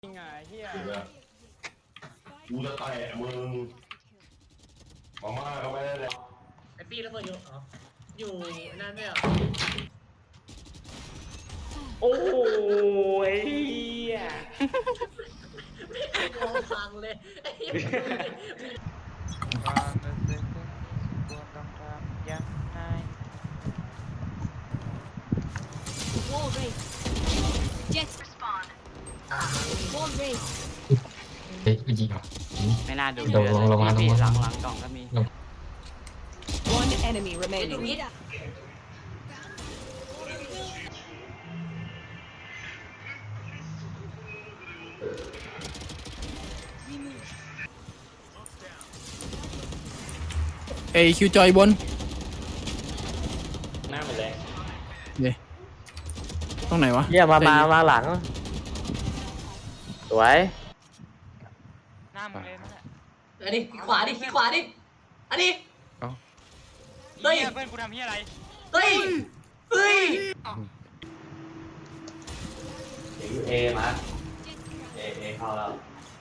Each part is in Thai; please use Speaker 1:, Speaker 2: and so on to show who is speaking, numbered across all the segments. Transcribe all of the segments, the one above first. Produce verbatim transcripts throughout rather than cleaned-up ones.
Speaker 1: ไงเฮีย
Speaker 2: กูจะแตะมึงมาม่าก็ไม่ได้เลย
Speaker 3: ไอปี้แล้วเพื่อนอยู่อ๋ออยู่นั่นไม่เหรอ
Speaker 1: โอ้ยเฮีย
Speaker 3: ไม่มองฟังเลยไอ้เหี้ย
Speaker 4: ความรู้สึกควรต้องทำยังไง
Speaker 5: Wall race. Jet spawn. Wall race.
Speaker 6: เฮ้ยจริงเหรอ
Speaker 4: ไม่น่าดู
Speaker 6: ลงลงลงมาลงมา
Speaker 4: หลังหลังกล่องก็มี
Speaker 5: One enemy
Speaker 3: ไอ้ตรง
Speaker 5: remaining.
Speaker 3: นี้
Speaker 7: เอคิวจอยบน
Speaker 1: หน้าหมดเลย
Speaker 7: เนี่ยตรงไหนวะ
Speaker 8: เยี่ยมามามาหลัง สวย
Speaker 4: หน้ามึงเลยนั่นแหละ
Speaker 3: อันนี้ขวาดิขี้ขวาดิอันนี้ เฮ้ย
Speaker 4: เหี้ยเพื่อนกูทำเฮียอะไร
Speaker 3: เฮ้ยเฮ้ย
Speaker 8: เอมาเอเอเข้าแล้ว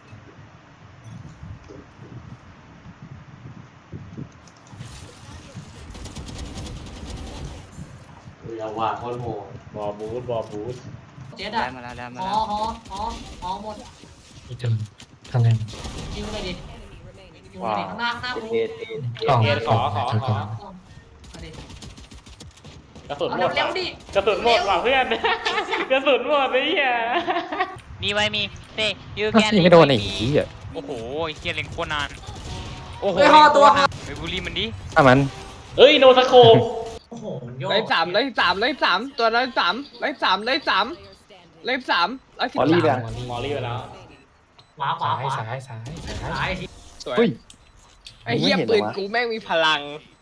Speaker 8: อย่าว่าโคตรโหด
Speaker 1: บอบูสบอบูส
Speaker 3: เจ็ด
Speaker 4: ได้
Speaker 3: อะ
Speaker 4: มาแล้วได้มา
Speaker 3: หอ
Speaker 4: แล้ว
Speaker 3: หอหอหอหมด
Speaker 6: อีกจนข้างใน
Speaker 3: ยิงไปดิ
Speaker 5: Enemy remaining.
Speaker 3: ยิงไปดิข้างหน้าข้างหน้ากู
Speaker 8: เอเอก
Speaker 6: ล่อง
Speaker 1: เฮียขอขอขอ
Speaker 3: มาดิ
Speaker 1: กระสุน
Speaker 3: เอา
Speaker 1: หมด
Speaker 3: เร็วๆดิ
Speaker 1: กระสุนหมดว่ะเพื่อน กระสุนหมดไอ้เฮีย
Speaker 4: มีไว้มีเต้ยูแกน
Speaker 6: นี่ไม่โดนไอ้ขี้อ่ะ
Speaker 4: โอ้โหไอ้เฮียเล็งโคตรนานโอ้โห
Speaker 3: เฮ้ยหอตัวหอ
Speaker 4: ไปบูลลี่มันดิ
Speaker 6: ถ้ามัน
Speaker 1: เอ้ยโนสโคป
Speaker 3: โอ้โหมันโยก
Speaker 9: ร้อยสามร้อยสามร้อยสามตัวร้อยสามร้อยสามร้อยสาม
Speaker 5: Player standing.
Speaker 9: ร้อยสามร้อยสิบ
Speaker 6: มอลลี่
Speaker 9: สาม
Speaker 6: แบบ
Speaker 1: มอลลี่ไปแล้ว
Speaker 3: ขวาขวาขวา
Speaker 6: ซ้ายซ้ายซ้ายซ้าย
Speaker 3: ซ้ายที
Speaker 9: สวย
Speaker 6: เฮ้ย
Speaker 9: ไอ้เหี้ย
Speaker 6: ไม่เห็นเหร
Speaker 9: ปื
Speaker 6: อน วะ
Speaker 9: กูแม่งมีพลัง